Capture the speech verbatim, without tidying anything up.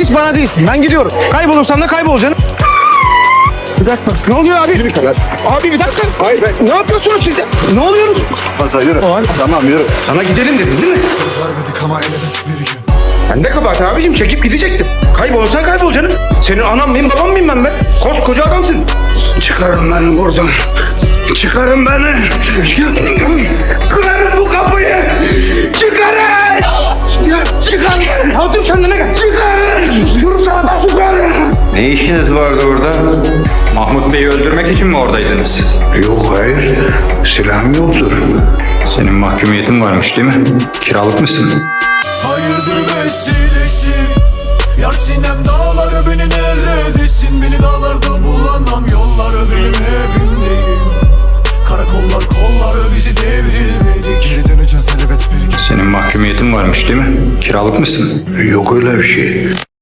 Hiç bana değilsin. Ben gidiyorum. Kaybolursan da kaybolacaksın. Bir dakika. Ne oluyor abi? Yürü kadar. Abi bir dakika. Hayır ben. Ne yapıyorsunuz siz ya? Ne oluyoruz? Fazla yürü. Abi. Tamam yürü. Sana gidelim dedin değil mi? Söz vermedik ama elbet bir gün. Ben de kabahat abicim. Çekip gidecektim. Kaybolursan kaybolacaksın. Senin anam mıyım babam mıyım ben be? Koskoca adamsın. Çıkarın beni buradan. Çıkarın beni. Kırarım bu kapıyı. Çıkarın. Ya çıkarın. Hatun kendine gel. Çıkarın. Yürü sana da çıkarın. Ne işiniz vardı orada? Mahmut Bey'i öldürmek için mi oradaydınız? Yok hayır. Silahım yoktur. Senin mahkumiyetin varmış değil mi? Kiralık mısın? Hayırdır vesilesi. Yar sinem dağları beni neredesin? Beni dağlarda bulamam, yolları benim evimdeyim. Karakollar kolları bizi devrilmedik. Geri döneceğiz elbet bir gün. Senin mahkumiyetin varmış değil mi? Kiralık mısın? Yok öyle bir şey.